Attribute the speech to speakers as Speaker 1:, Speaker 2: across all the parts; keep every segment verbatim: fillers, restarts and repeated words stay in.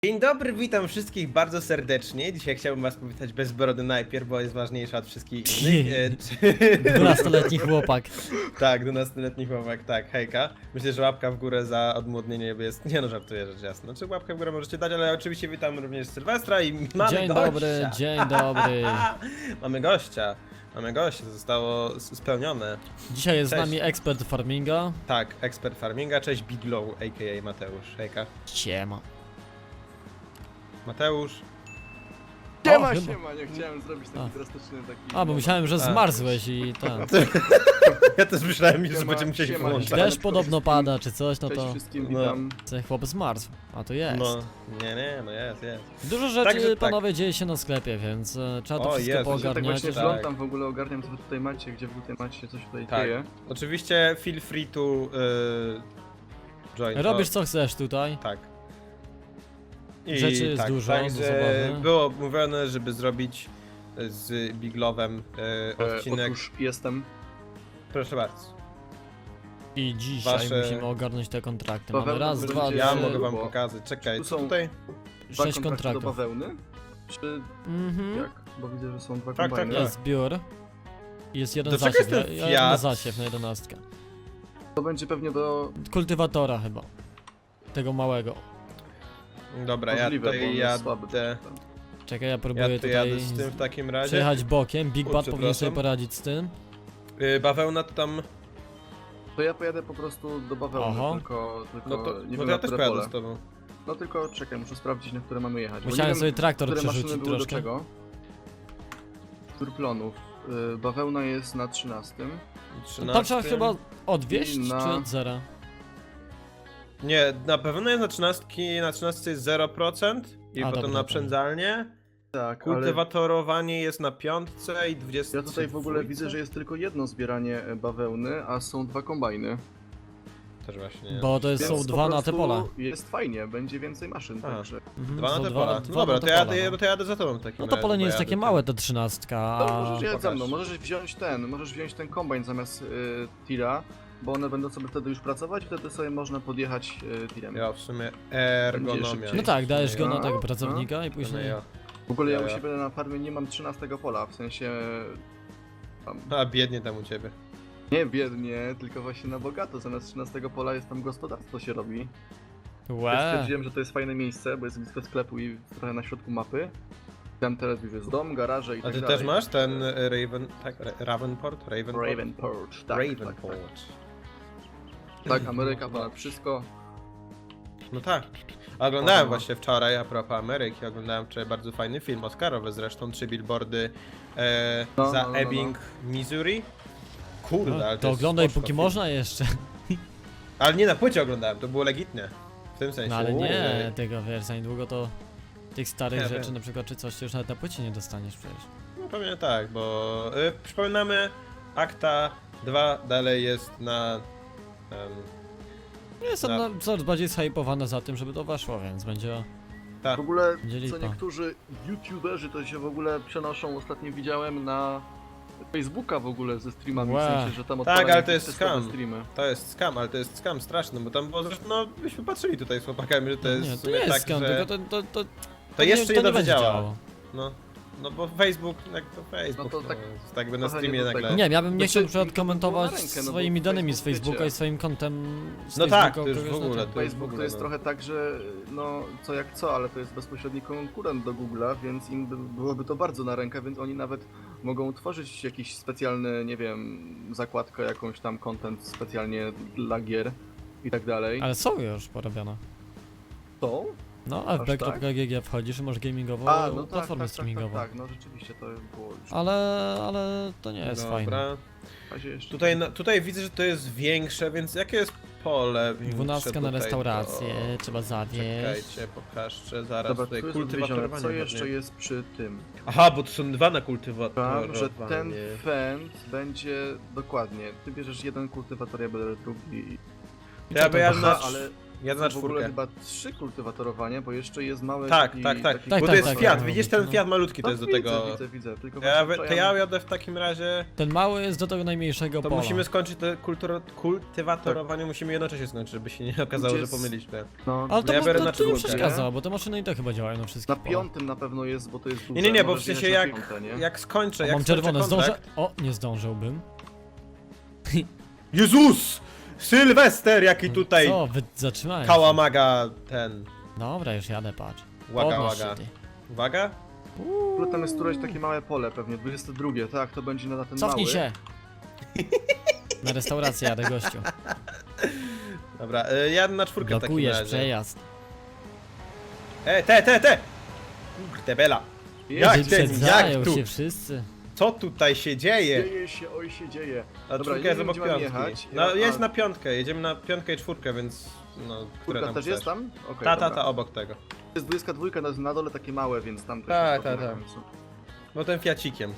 Speaker 1: Dzień dobry, witam wszystkich bardzo serdecznie. Dzisiaj chciałbym was powitać bez brody najpierw, bo jest ważniejsza od wszystkich innych. E, czy-
Speaker 2: dwunastoletni chłopak.
Speaker 1: tak, dwunastoletni chłopak, tak, hejka. Myślę, że łapka w górę za odmłodnienie jest... Nie no, żartuję, rzecz jasna. Znaczy łapkę w górę możecie dać, ale oczywiście witam również Sylwestra i mamy
Speaker 2: Dzień
Speaker 1: gościa.
Speaker 2: dobry, dzień dobry.
Speaker 1: mamy gościa. Mamy gościa, zostało s- spełnione.
Speaker 2: Dzisiaj jest
Speaker 1: Cześć.
Speaker 2: z nami ekspert farminga.
Speaker 1: Tak, ekspert farminga, cześć Biglow, a k a. Mateusz, hejka.
Speaker 2: Siema.
Speaker 1: Mateusz.
Speaker 3: Siema,
Speaker 2: chyba-
Speaker 3: siema, nie chciałem zrobić taki
Speaker 2: A.
Speaker 3: drastyczny taki...
Speaker 2: A, bo myślałem, że
Speaker 1: A.
Speaker 2: zmarzłeś i tak.
Speaker 1: Ja też myślałem, że
Speaker 3: Siema,
Speaker 1: będziemy musieli
Speaker 3: siema,
Speaker 1: włączać.
Speaker 3: siema.
Speaker 2: Deszcz podobno pada czy coś, no
Speaker 3: Cześć
Speaker 2: to
Speaker 3: wszystkim,
Speaker 1: No.
Speaker 3: witam.
Speaker 2: ten chłop zmarzł. A to jest.
Speaker 1: No, nie, nie, no jest, jest.
Speaker 2: Dużo rzeczy,
Speaker 1: Także tak.
Speaker 2: panowie, dzieje się na sklepie, więc e, trzeba to
Speaker 1: O,
Speaker 2: wszystko
Speaker 1: jest.
Speaker 3: Ja tak
Speaker 2: poogarniać.
Speaker 3: właśnie
Speaker 1: tak.
Speaker 3: wglądam, w ogóle ogarniam, co wy tutaj macie, gdzie wy tutaj macie, co się tutaj
Speaker 1: Tak.
Speaker 3: dzieje.
Speaker 1: Oczywiście feel free to yy, join.
Speaker 2: Robisz
Speaker 1: to,
Speaker 2: co chcesz tutaj.
Speaker 1: Tak. I
Speaker 2: Rzeczy jest
Speaker 1: tak,
Speaker 2: dużo, do
Speaker 1: Także
Speaker 2: zabawy.
Speaker 1: było mówione, żeby zrobić z Biglowem yy,
Speaker 3: E,
Speaker 1: odcinek.
Speaker 3: otóż jestem.
Speaker 1: Proszę bardzo.
Speaker 2: I dzisiaj
Speaker 1: Wasze-
Speaker 2: musimy ogarnąć te kontrakty.
Speaker 3: Paweł,
Speaker 2: Mamy raz,
Speaker 3: to
Speaker 2: dwa,
Speaker 3: będzie-
Speaker 1: Ja
Speaker 2: trzy,
Speaker 1: mogę wam
Speaker 3: bo-
Speaker 1: pokazać. Czekaj,
Speaker 3: tu
Speaker 1: co
Speaker 3: są-
Speaker 1: tutaj?
Speaker 3: Dwa
Speaker 2: sześć
Speaker 3: kontrakty do
Speaker 2: kontraktów.
Speaker 3: bawełny? Czy
Speaker 2: Mhm.
Speaker 3: jak? Bo widzę, że są dwa
Speaker 1: Tak, tak,
Speaker 3: kombajny.
Speaker 1: tak.
Speaker 2: Jest zbiór. Jest jeden
Speaker 1: Do czego
Speaker 2: zasiew,
Speaker 1: jest ten
Speaker 2: ja- ja-
Speaker 1: Fiat?
Speaker 2: na zasiew na jedenastkę.
Speaker 3: To będzie pewnie do...
Speaker 2: Kultywatora chyba. Tego małego.
Speaker 1: Dobra, ja
Speaker 3: możliwe, bo
Speaker 1: tutaj
Speaker 3: on jest słaby.
Speaker 1: jadę.
Speaker 2: Czekaj, ja
Speaker 1: Ja
Speaker 2: próbuję
Speaker 1: tu
Speaker 2: tutaj
Speaker 1: jadę z tym w takim razie.
Speaker 2: przejechać bokiem. Big
Speaker 1: O,
Speaker 2: Bad powinien sobie
Speaker 1: przepraszam.
Speaker 2: poradzić z tym.
Speaker 1: Yy, bawełna to tam.
Speaker 3: To ja pojadę po prostu do bawełny,
Speaker 2: Oho.
Speaker 3: tylko, tylko
Speaker 1: No to.
Speaker 3: nie
Speaker 1: No
Speaker 3: wiem
Speaker 1: to
Speaker 3: na
Speaker 1: ja też
Speaker 3: które
Speaker 1: pojadę
Speaker 3: pole.
Speaker 1: z tobą.
Speaker 3: No tylko czekaj, muszę sprawdzić, na które mamy jechać. bo nie
Speaker 2: Musiałem
Speaker 3: wiem,
Speaker 2: sobie traktor
Speaker 3: które maszyny
Speaker 2: przerzucić
Speaker 3: były do
Speaker 2: troszkę.
Speaker 3: czego. Turplonów. Y, bawełna jest na trzynastym.
Speaker 2: Tam trzeba chyba odwieźć,
Speaker 3: I na-
Speaker 2: czy od zera?
Speaker 1: Nie, na pewno jest na trzynastki, na trzynastce jest zero procent i
Speaker 2: A,
Speaker 1: potem
Speaker 2: dobra,
Speaker 1: naprzędzalnie.
Speaker 3: Tak, ale
Speaker 1: Kultywatorowanie jest na piątce i dwudziestce.
Speaker 3: ja tutaj w ogóle widzę, że jest tylko jedno zbieranie e, bawełny, a są dwa kombajny.
Speaker 1: Też właśnie.
Speaker 2: Bo to jest,
Speaker 3: Więc
Speaker 2: są
Speaker 3: po
Speaker 2: dwa na te
Speaker 3: prostu
Speaker 2: pola.
Speaker 3: Jest fajnie, będzie więcej maszyn,
Speaker 1: A.
Speaker 3: także.
Speaker 2: Mhm,
Speaker 1: Dwa
Speaker 2: są
Speaker 1: na te
Speaker 2: dwa-
Speaker 1: pola.
Speaker 2: dwa
Speaker 1: No dobra,
Speaker 2: na
Speaker 1: to
Speaker 2: te
Speaker 1: ja,
Speaker 2: pola,
Speaker 1: jadę,
Speaker 2: no.
Speaker 1: to ja jadę za tobą w takim
Speaker 2: No to
Speaker 1: razie,
Speaker 2: pole nie
Speaker 1: bo
Speaker 2: jest
Speaker 1: jadę
Speaker 2: takie
Speaker 1: tu.
Speaker 2: małe, ta trzynastka,
Speaker 3: To
Speaker 2: a...
Speaker 3: możesz jechać za mną,
Speaker 1: pokaż.
Speaker 3: możesz wziąć ten, możesz wziąć ten kombajn zamiast y, tira, bo one będą sobie wtedy już pracować, wtedy sobie można podjechać y, tirem.
Speaker 1: Ja w sumie ergonomia.
Speaker 3: szybciej.
Speaker 2: No tak, dajesz go
Speaker 3: No,
Speaker 2: na tego
Speaker 3: no.
Speaker 2: pracownika i
Speaker 1: No
Speaker 2: później...
Speaker 1: ja.
Speaker 3: W ogóle ja
Speaker 1: Ja,
Speaker 3: u
Speaker 1: ja.
Speaker 3: siebie na farmie nie mam trzynastego pola, w sensie... Tam,
Speaker 1: A biednie tam u ciebie.
Speaker 3: nie biednie, tylko właśnie na bogato, zamiast trzynastego pola jest tam gospodarstwo się robi. Ja
Speaker 2: Łe.
Speaker 3: stwierdziłem, że to jest fajne miejsce, bo jest blisko sklepu i trochę na środku mapy. Tam teraz już jest dom, garaże i
Speaker 1: A
Speaker 3: tak
Speaker 1: ty
Speaker 3: dalej.
Speaker 1: też masz ten e, Raven... tak? Ra- Ravenport? Ravenport?
Speaker 3: Ravenport, tak,
Speaker 1: Ravenport.
Speaker 3: tak, tak. Tak, Ameryka ponad wszystko.
Speaker 1: No tak. A Oglądałem
Speaker 3: Aha.
Speaker 1: właśnie wczoraj, a propos Ameryki, oglądałem wczoraj bardzo fajny film Oscarowy zresztą, trzy billboardy e,
Speaker 3: No,
Speaker 1: za
Speaker 3: no, no, no.
Speaker 1: Ebbing, Missouri. Kurde, ale to,
Speaker 2: To
Speaker 1: jest
Speaker 2: oglądaj
Speaker 1: spoczko
Speaker 2: póki
Speaker 1: film.
Speaker 2: można jeszcze.
Speaker 1: Ale nie na płycie oglądałem, to było legitnie. W tym sensie.
Speaker 2: No ale
Speaker 1: Uuu.
Speaker 2: nie, tego wiesz, za niedługo to... Tych starych
Speaker 1: Ja
Speaker 2: rzeczy
Speaker 1: wiem.
Speaker 2: na przykład czy coś, to już nawet na płycie nie dostaniesz przecież.
Speaker 1: No pewnie tak, bo y, przypominamy, Akta dwa dalej jest na... Um,
Speaker 2: Jestem
Speaker 1: No.
Speaker 2: na, coraz bardziej zhypowana za tym, żeby to weszło, więc będzie...
Speaker 1: tak.
Speaker 3: W ogóle,
Speaker 2: Będzie
Speaker 3: co
Speaker 2: lipa.
Speaker 3: niektórzy youtuberzy to się w ogóle przenoszą, ostatnio widziałem na Facebooka w ogóle ze streamami,
Speaker 2: Łe.
Speaker 3: w sensie, że tam
Speaker 1: Tak,
Speaker 3: odpalają
Speaker 1: ale to jest
Speaker 3: jakieś testowe
Speaker 1: scam.
Speaker 3: streamy.
Speaker 1: To jest skam, ale to jest skam straszny, bo tam było zresztą, no byśmy patrzyli tutaj z chłopakami, że to jest
Speaker 2: nie,
Speaker 1: w
Speaker 2: to
Speaker 1: sumie
Speaker 2: nie jest
Speaker 1: tak,
Speaker 2: skam,
Speaker 1: że...
Speaker 2: tylko to... to, to,
Speaker 1: To jeszcze nie dobrze
Speaker 2: będzie
Speaker 1: działa.
Speaker 2: działało.
Speaker 1: No, no bo Facebook, jak to Facebook,
Speaker 3: No to
Speaker 1: no,
Speaker 3: tak
Speaker 1: jest tak by na
Speaker 3: trochę
Speaker 1: streamie
Speaker 3: nie do
Speaker 1: nagle...
Speaker 3: tego.
Speaker 2: Nie, ja bym nie
Speaker 3: Znaczy,
Speaker 2: chciał na przykład
Speaker 3: mi to było
Speaker 2: komentować
Speaker 3: na rękę, no bo
Speaker 2: swoimi danymi z
Speaker 3: Facebook,
Speaker 2: Facebooka
Speaker 3: wiecie.
Speaker 2: i swoim kontem z
Speaker 1: No
Speaker 2: Facebooka
Speaker 1: tak, to już
Speaker 2: kogoś
Speaker 1: w
Speaker 2: na
Speaker 1: ogóle,
Speaker 2: tym.
Speaker 1: to jest w
Speaker 3: Facebook to
Speaker 1: ogóle,
Speaker 3: jest
Speaker 1: no.
Speaker 3: trochę tak, że no co jak co, ale to jest bezpośredni konkurent do Google'a, więc im by, byłoby to bardzo na rękę, więc oni nawet mogą tworzyć jakiś specjalny, nie wiem, zakładkę, jakąś tam content specjalnie dla gier i tak dalej.
Speaker 2: Ale są już porobione.
Speaker 3: To?
Speaker 2: No,
Speaker 3: Aż
Speaker 2: f b kropka g g wchodzisz i masz gamingową
Speaker 3: A, no tak,
Speaker 2: platformę
Speaker 3: tak, tak, tak,
Speaker 2: streamingową.
Speaker 3: tak, no rzeczywiście to było już
Speaker 2: Ale, ale to nie jest fajne.
Speaker 1: Dobra.
Speaker 3: w razie jeszcze.
Speaker 1: Tutaj, na, tutaj widzę, że to jest większe, więc jakie jest pole większe
Speaker 2: Dwunastka na
Speaker 1: tutaj,
Speaker 2: restaurację,
Speaker 1: to-
Speaker 2: trzeba zawieść.
Speaker 1: Czekajcie, pokażę zaraz
Speaker 3: Dobra, tu
Speaker 1: tutaj
Speaker 3: jest odwiezione.
Speaker 1: kultywatorowanie.
Speaker 3: Co jeszcze
Speaker 1: pewnie.
Speaker 3: jest przy tym?
Speaker 1: Aha, bo to są dwa na
Speaker 3: Tam,
Speaker 1: kultywatorowanie.
Speaker 3: że ten fend będzie dokładnie. Ty bierzesz jeden kultywator, ja biorę drugi.
Speaker 2: I
Speaker 1: Ja
Speaker 2: co
Speaker 1: by
Speaker 2: to
Speaker 1: ja
Speaker 2: ma-
Speaker 1: na...
Speaker 3: Aha, ale
Speaker 1: Jadę na
Speaker 3: w ogóle
Speaker 1: czwórkę.
Speaker 3: chyba trzy kultywatorowania, bo jeszcze jest mały
Speaker 1: Tak,
Speaker 3: taki,
Speaker 1: tak, tak.
Speaker 3: taki...
Speaker 2: Tak,
Speaker 1: Bo
Speaker 2: tak,
Speaker 1: to jest
Speaker 2: tak,
Speaker 1: Fiat,
Speaker 2: tak,
Speaker 1: widzisz
Speaker 2: tak,
Speaker 1: ten
Speaker 2: no.
Speaker 1: Fiat malutki, to
Speaker 3: No,
Speaker 1: jest do
Speaker 3: widzę,
Speaker 1: tego...
Speaker 3: Widzę, widzę, tylko
Speaker 1: Ja,
Speaker 3: właśnie
Speaker 1: to ja jadę w takim razie...
Speaker 2: Ten mały jest do tego najmniejszego
Speaker 1: To
Speaker 2: pola.
Speaker 1: musimy skończyć te kulturo- kultywatorowanie, musimy jednocześnie skończyć, żeby się nie okazało,
Speaker 3: Gdzie
Speaker 1: że
Speaker 3: jest-
Speaker 1: pomyliśmy.
Speaker 3: No,
Speaker 2: Ale to,
Speaker 1: Ja
Speaker 2: mu-
Speaker 1: biorę
Speaker 2: to,
Speaker 1: na
Speaker 2: to nie
Speaker 1: czwórkę,
Speaker 2: przeszkadza, bo te maszyny i tak chyba działają na wszystkich
Speaker 3: na
Speaker 2: polach.
Speaker 3: piątym na pewno jest, bo to jest duże.
Speaker 1: Nie, nie, nie, bo w
Speaker 3: możesz
Speaker 1: sensie
Speaker 3: jechać
Speaker 1: jak,
Speaker 3: na piąte, nie?
Speaker 1: jak skończę,
Speaker 2: O,
Speaker 1: jak
Speaker 2: mam
Speaker 1: skończę
Speaker 2: czerwone, zdążę...
Speaker 1: kontrakt...
Speaker 2: O, nie zdążyłbym.
Speaker 1: Jezus! Sylwester, jaki tutaj
Speaker 2: Co, wy zatrzymałem się.
Speaker 1: kałamaga ten...
Speaker 2: Dobra, już jadę, patrz.
Speaker 1: Łaga,
Speaker 2: Podnoś się,
Speaker 1: łaga.
Speaker 2: ty.
Speaker 1: Uwaga?
Speaker 3: W ogóle tam jest któreś takie małe pole pewnie, dwudzieste drugie, tak, to będzie na ten
Speaker 2: Cofnij
Speaker 3: mały.
Speaker 2: się! Na restaurację jadę, gościu.
Speaker 1: Dobra, y, jadę na czwórkę w takim
Speaker 2: Blokujesz
Speaker 1: razie.
Speaker 2: przejazd.
Speaker 1: E, te, te, te! Kurde bela! Jak ten,
Speaker 2: Wyprzedzają
Speaker 1: jak tu?
Speaker 2: się wszyscy.
Speaker 1: Co tutaj się dzieje?
Speaker 3: Dzieje się, oj się dzieje.
Speaker 1: A
Speaker 3: Dobra,
Speaker 1: czwórka
Speaker 3: nie
Speaker 1: jest
Speaker 3: wiem,
Speaker 1: obok
Speaker 3: gdzie mam
Speaker 1: piątki.
Speaker 3: jechać.
Speaker 1: No
Speaker 3: Ja-
Speaker 1: jest
Speaker 3: a-
Speaker 1: na piątkę, jedziemy na piątkę i czwórkę, więc... No, które
Speaker 3: Kurka
Speaker 1: tam
Speaker 3: też
Speaker 1: chcesz?
Speaker 3: jest tam? Okej,
Speaker 1: Ta, ta,
Speaker 3: dobra.
Speaker 1: ta, obok tego.
Speaker 3: Jest dwudziestka dwójka na, na dole takie małe, więc tam też
Speaker 1: Tak,
Speaker 3: jest
Speaker 1: tak,
Speaker 3: potem.
Speaker 1: No ten fiacikiem.